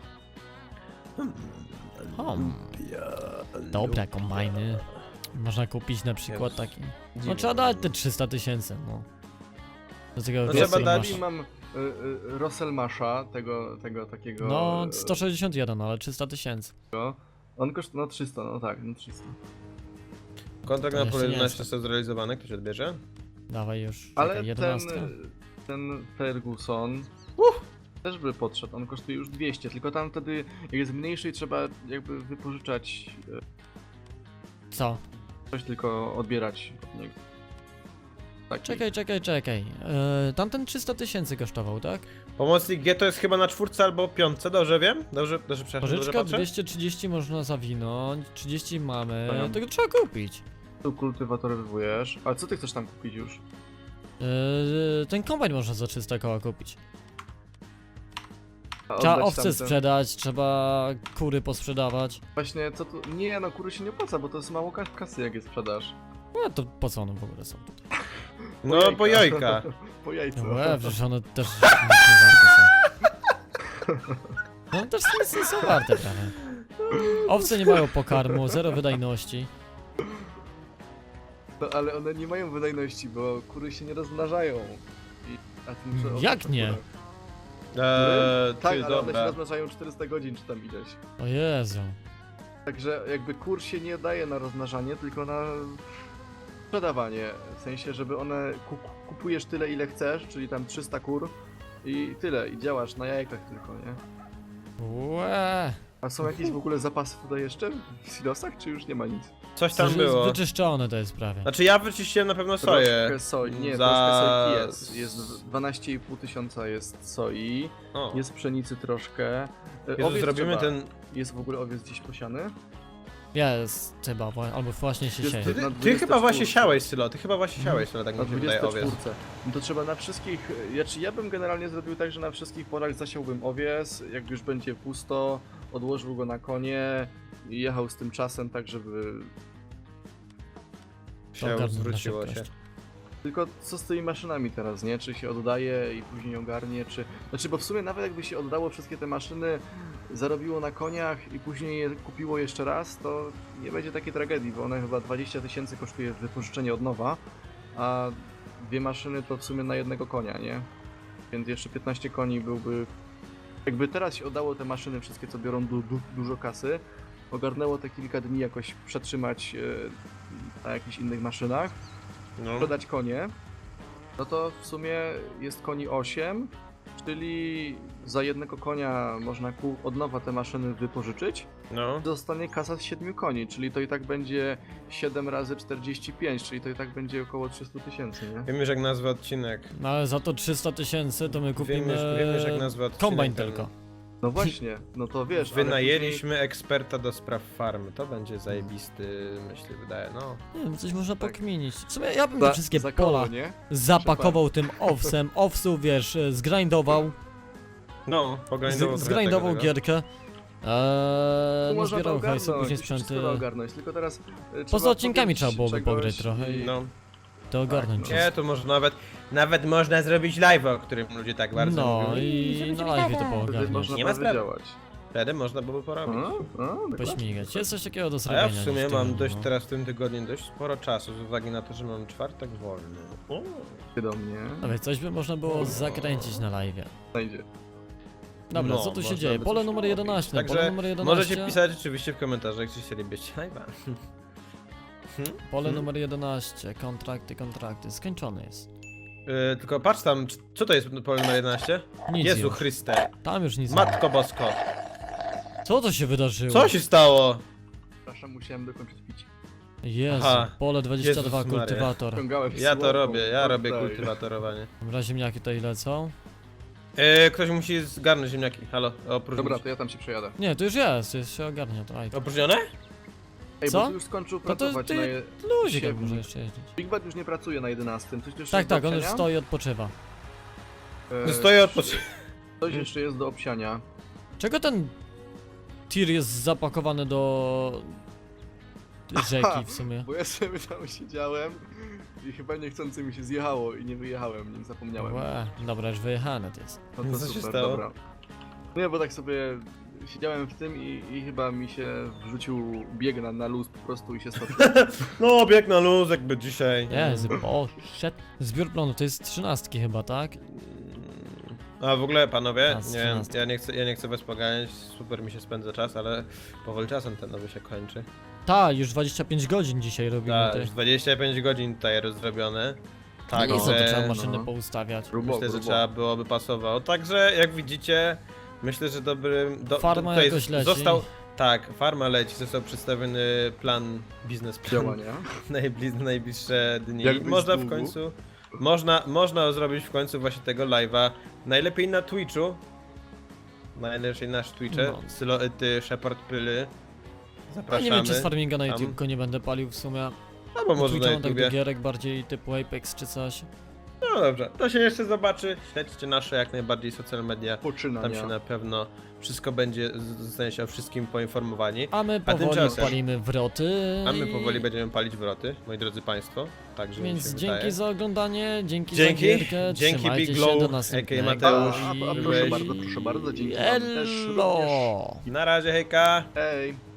Speaker 2: Hmm. Dobra, kombajny. Można kupić na przykład
Speaker 1: Jezus.
Speaker 2: taki. No
Speaker 1: Dziwne.
Speaker 2: trzeba dać te trzysta tysięcy, no. Do tego
Speaker 1: No
Speaker 2: więcej
Speaker 1: trzeba dać
Speaker 2: masz.
Speaker 3: I mam y, y, Rosselmasha, tego, tego takiego...
Speaker 2: No
Speaker 3: y,
Speaker 2: sto sześćdziesiąt jeden, ale trzysta tysięcy.
Speaker 3: On kosztuje, no trzysta, no tak, no trzysta.
Speaker 1: Kontrakt
Speaker 2: To
Speaker 1: na pole
Speaker 2: jeszcze nie
Speaker 1: jedenaście
Speaker 2: jest.
Speaker 1: został zrealizowany, ktoś odbierze?
Speaker 2: Dawaj już.
Speaker 3: Ale
Speaker 2: czekaj,
Speaker 3: ten,
Speaker 2: jedenastka.
Speaker 3: ten Ferguson też by podszedł, on kosztuje już dwieście, tylko tam wtedy jak jest mniejszy i trzeba jakby wypożyczać y,
Speaker 2: Co?
Speaker 3: coś, tylko odbierać od niego. Taki.
Speaker 2: Czekaj, czekaj, czekaj. Yy, tamten trzysta tysięcy kosztował, tak?
Speaker 1: Pomocnik G to jest chyba na czwórce albo piątce, dobrze wiem? Dobrze, dobrze, przepraszam, dobrze
Speaker 2: Pożyczka
Speaker 1: patrzę?
Speaker 2: dwieście trzydzieści można zawinąć, trzydzieści mamy,
Speaker 3: Dobra.
Speaker 2: tego trzeba kupić.
Speaker 3: Tu kultywatorowujesz. Ale co ty chcesz tam kupić już?
Speaker 2: Yy, ten kombajn można za trzysta koła kupić.
Speaker 3: A
Speaker 2: Trzeba
Speaker 3: oddać
Speaker 2: owce
Speaker 3: tamten-
Speaker 2: sprzedać, trzeba kury posprzedawać.
Speaker 3: Właśnie, co tu... Nie, no kury się nie opłaca, bo to jest mało kas- kasy, jak je sprzedasz.
Speaker 2: No to po co one w ogóle są tutaj?
Speaker 1: No, po jajka.
Speaker 3: Po jajcu.
Speaker 2: No łe, przecież one też nic nie warte są. No też nic nie są warte prawie. Owce nie mają pokarmu, zero wydajności.
Speaker 3: No, ale one nie mają wydajności, bo kury się nie rozmnażają. I... A ty muszę
Speaker 2: Jak
Speaker 3: oddać
Speaker 2: nie?
Speaker 3: kurę.
Speaker 1: Eee,
Speaker 3: Tak,
Speaker 1: ty,
Speaker 3: ale one się
Speaker 1: dobra.
Speaker 3: rozmnażają czterysta godzin, czy tam ileś.
Speaker 2: O Jezu.
Speaker 3: Także jakby kur się nie daje na rozmnażanie, tylko na sprzedawanie. W sensie, żeby one ku kupujesz tyle ile chcesz, czyli tam trzysta kur i tyle, i działasz na jajkach tylko, nie?
Speaker 2: Łe.
Speaker 3: A są jakieś w ogóle zapasy tutaj jeszcze w silosach, czy już nie ma nic?
Speaker 1: Coś tam
Speaker 2: Coś jest
Speaker 1: było.
Speaker 2: wyczyszczone to jest prawie.
Speaker 1: Znaczy ja wyczyściłem na pewno soję.
Speaker 3: Troszkę soi, nie,
Speaker 1: Za-
Speaker 3: troszkę sojki jest. Jest dwanaście i pół tysiąca jest soi,
Speaker 1: O.
Speaker 3: jest pszenicy troszkę. E,
Speaker 1: Jezu,
Speaker 3: owiec
Speaker 1: zrobimy
Speaker 3: trzeba.
Speaker 1: ten...
Speaker 3: Jest w ogóle owiec gdzieś posiany?
Speaker 2: Jest chyba, wa- albo właśnie się
Speaker 3: Jest
Speaker 2: sieje.
Speaker 1: Ty,
Speaker 3: na
Speaker 1: ty
Speaker 3: dwudziestej
Speaker 1: chyba właśnie
Speaker 3: czwórce.
Speaker 1: siałeś, Sylo, ty chyba właśnie siałeś, Sylo, tak
Speaker 3: Na
Speaker 1: mi się wydaje, owiec.
Speaker 3: dwudziestej czwórce. No to trzeba na wszystkich, znaczy ja bym generalnie zrobił tak, że na wszystkich polach zasiałbym owiec, jak już będzie pusto, odłożył go na konie i jechał z tym czasem tak, żeby...
Speaker 1: Się
Speaker 2: Ogarnął na
Speaker 1: zwróciło się.
Speaker 2: szybkość.
Speaker 3: Tylko co z tymi maszynami teraz, nie? Czy się oddaje i później ogarnie, czy... Znaczy, bo w sumie nawet jakby się oddało wszystkie te maszyny, zarobiło na koniach i później je kupiło jeszcze raz, to nie będzie takiej tragedii, bo one chyba dwadzieścia tysięcy kosztuje wypożyczenie od nowa, a dwie maszyny to w sumie na jednego konia, nie? Więc jeszcze piętnaście koni byłby... Jakby teraz się oddało te maszyny wszystkie, co biorą du du dużo kasy, ogarnęło te kilka dni jakoś przetrzymać e, na jakichś innych maszynach,
Speaker 1: No.
Speaker 3: sprzedać konie, no to w sumie jest koni osiem, czyli za jednego konia można ku- od nowa te maszyny wypożyczyć.
Speaker 1: No.
Speaker 3: Zostanie kasa z siedmiu koni, czyli to i tak będzie siedem razy czterdzieści pięć, czyli to i tak będzie około trzysta tysięcy, nie?
Speaker 1: Wiem już jak nazwę odcinek.
Speaker 2: No ale za to trzysta tysięcy to my
Speaker 1: Wiem
Speaker 2: kupimy
Speaker 1: już, wiem już jak nazwę odcinek.
Speaker 2: kombajn
Speaker 1: ten-
Speaker 2: tylko.
Speaker 3: No właśnie, no to wiesz, ale
Speaker 1: Wynajęliśmy eksperta do spraw farmy. To będzie zajebisty, myślę, wydaje, no.
Speaker 2: Nie wiem, coś można
Speaker 3: Tak.
Speaker 2: pokminić. W sumie ja bym
Speaker 3: później
Speaker 2: te wszystkie
Speaker 3: za, za koło,
Speaker 2: pola
Speaker 3: nie?
Speaker 2: zapakował tym owsem, owsu wiesz, e, zgrindował,
Speaker 1: No, pogrindował
Speaker 2: z,
Speaker 1: trochę
Speaker 2: zgrindował
Speaker 1: tego,
Speaker 2: gierkę,
Speaker 3: Tu
Speaker 2: eee, no
Speaker 3: można to
Speaker 2: zbierał hajsu,
Speaker 3: ogarnąć,
Speaker 2: później
Speaker 3: już wszystko
Speaker 2: sprzęty,
Speaker 3: da ogarnąć, tylko teraz e,
Speaker 2: poza
Speaker 3: trzeba
Speaker 2: odcinkami
Speaker 3: powiedzieć
Speaker 2: trzeba byłoby
Speaker 3: czegoś
Speaker 2: pograć trochę
Speaker 3: i-
Speaker 1: No.
Speaker 2: to ogarnąć.
Speaker 3: Tak,
Speaker 1: Nie, to może nawet, nawet można zrobić live, o którym ludzie tak bardzo
Speaker 2: No
Speaker 1: mówią.
Speaker 2: i na live to
Speaker 3: Wtedy
Speaker 2: poogarniać.
Speaker 3: można
Speaker 1: Nie ma
Speaker 3: prawie
Speaker 1: sprawy.
Speaker 3: działać.
Speaker 1: Wtedy można było porobić.
Speaker 3: A, a, dokładnie.
Speaker 2: Pośmigać. Jest coś takiego do
Speaker 1: A
Speaker 2: zrobienia.
Speaker 1: ja w sumie
Speaker 2: niż
Speaker 1: mam
Speaker 2: tygodniu,
Speaker 1: dość
Speaker 2: no.
Speaker 1: teraz w tym tygodniu dość sporo czasu, z uwagi na to, że mam czwartek wolny. O.
Speaker 3: Ty do mnie.
Speaker 2: Ale coś by można było zakręcić na live.
Speaker 3: Znajdzie.
Speaker 2: Dobra,
Speaker 1: No,
Speaker 2: co tu się
Speaker 1: można
Speaker 2: dzieje?
Speaker 1: by
Speaker 2: Pole
Speaker 1: coś
Speaker 2: numer
Speaker 1: robić.
Speaker 2: jedenaście, pole
Speaker 1: Także
Speaker 2: numer jedenaście.
Speaker 1: możecie pisać oczywiście w komentarzach, czy chcielibyście live'a.
Speaker 2: Pole
Speaker 1: Hmm?
Speaker 2: numer jedenaście, kontrakty, kontrakty, skończony jest.
Speaker 1: Yy, tylko patrz tam, c- co to jest pole numer jedenaście?
Speaker 2: Nic
Speaker 1: Jezu
Speaker 2: już.
Speaker 1: Chryste,
Speaker 2: Tam już nic nie ma.
Speaker 1: Matko Bosko,
Speaker 2: Co to się wydarzyło?
Speaker 1: co się stało?
Speaker 3: Przepraszam, musiałem dokończyć pić.
Speaker 2: Jezu,
Speaker 1: Aha.
Speaker 2: pole dwadzieścia dwa,
Speaker 1: Jezus Maria.
Speaker 2: kultywator.
Speaker 3: Ciągałem
Speaker 1: Ja to
Speaker 3: słomą,
Speaker 1: robię, ja robię
Speaker 3: oddaję.
Speaker 1: kultywatorowanie.
Speaker 2: Dobra, ziemniaki tutaj lecą.
Speaker 1: Yy, ktoś musi zgarnąć ziemniaki, halo, opróżnić.
Speaker 3: Dobra, to ja tam się przejadę.
Speaker 2: Nie, to już jest, jest się ogarnia to. Aj,
Speaker 1: Opróżnione?
Speaker 3: Ej,
Speaker 2: Co?
Speaker 3: bo ty już skończył
Speaker 2: No to
Speaker 3: pracować
Speaker 2: ty-
Speaker 3: na je...
Speaker 2: Luzik jak
Speaker 3: siedmiu.
Speaker 2: może jeszcze jeździć.
Speaker 3: Big Bad już nie pracuje na jedenastym, coś jeszcze
Speaker 2: Tak,
Speaker 3: jest do
Speaker 2: tak, on już
Speaker 3: obsiania?
Speaker 2: stoi i odpoczywa.
Speaker 3: E,
Speaker 1: Stoję odpoczynku.
Speaker 3: Coś jeszcze jest do obsiania.
Speaker 2: Czego ten tir jest zapakowany do rzeki w sumie?
Speaker 3: Bo ja sobie tam siedziałem i chyba niechcący mi się zjechało i nie wyjechałem, nie zapomniałem.
Speaker 2: Łe, dobra, już wyjechane to jest.
Speaker 3: No to
Speaker 1: Co się
Speaker 3: super,
Speaker 1: stało?
Speaker 3: dobra. Nie, bo tak sobie siedziałem w tym i, i chyba mi się wrzucił bieg na, na luz po prostu i się stoczył.
Speaker 1: No, bieg na luz jakby dzisiaj.
Speaker 2: Jezu, o, shit. Zbiór plonu to jest trzynastki chyba, tak?
Speaker 1: A w ogóle panowie,
Speaker 2: A, z
Speaker 1: nie wiem,
Speaker 2: trzynastki.
Speaker 1: ja nie chcę, ja nie chcę was poganiać, super mi się spędza czas, ale powoli czasem ten nowy się kończy.
Speaker 2: Ta, już dwadzieścia pięć godzin dzisiaj robimy
Speaker 1: Tak,
Speaker 2: te.
Speaker 1: już dwadzieścia pięć godzin tutaj rozrobione.
Speaker 2: Tak,
Speaker 3: no,
Speaker 2: no, to
Speaker 1: Także
Speaker 2: trzeba maszyny
Speaker 3: no.
Speaker 2: poustawiać.
Speaker 3: Grubo,
Speaker 1: myślę, że
Speaker 3: grubo.
Speaker 1: trzeba byłoby pasowało. Także jak widzicie, myślę, że dobrym... Do,
Speaker 2: Farma
Speaker 1: tutaj
Speaker 2: jakoś leci.
Speaker 1: Został, tak, farma leci, został przedstawiony plan, biznesplan
Speaker 3: Działania.
Speaker 1: najbliż, najbliższe dni.
Speaker 3: Jakbyś
Speaker 1: Można w
Speaker 3: zgubił.
Speaker 1: końcu, można, można zrobić w końcu właśnie tego live'a, najlepiej na Twitchu, najlepiej nasz Twitche,
Speaker 2: No.
Speaker 1: Sylo, ty, Shepard Pyly,
Speaker 2: No
Speaker 1: zapraszamy.
Speaker 2: nie wiem, czy z farminga na
Speaker 1: Tam.
Speaker 2: YouTube go nie będę palił w sumie.
Speaker 1: Albo może na
Speaker 2: Twitcha mam tak do
Speaker 1: YouTubie.
Speaker 2: gierek bardziej typu Apex czy coś.
Speaker 1: No dobrze, to się jeszcze zobaczy, śledźcie nasze jak najbardziej social media,
Speaker 3: Poczynania.
Speaker 1: tam się na pewno wszystko będzie, z- zostanie się o wszystkim poinformowani.
Speaker 2: A my
Speaker 1: A
Speaker 2: powoli
Speaker 1: tymczasem-
Speaker 2: palimy wroty.
Speaker 1: A my
Speaker 2: i-
Speaker 1: powoli będziemy palić wroty, moi drodzy państwo, także mi
Speaker 2: Więc
Speaker 1: się
Speaker 2: dzięki
Speaker 1: wydaje.
Speaker 2: za oglądanie, dzięki,
Speaker 1: Dzięki,
Speaker 2: za gierkę,
Speaker 1: dzięki
Speaker 2: trzymajcie
Speaker 1: Big
Speaker 2: się,
Speaker 1: Glow,
Speaker 2: do
Speaker 1: a k a
Speaker 2: następnego.
Speaker 1: Mateusz,
Speaker 3: A, a, a
Speaker 1: byłeś-
Speaker 3: proszę bardzo, proszę bardzo, dzięki wam też
Speaker 2: Hello!
Speaker 3: również.
Speaker 1: Na razie, hejka!
Speaker 3: Hej.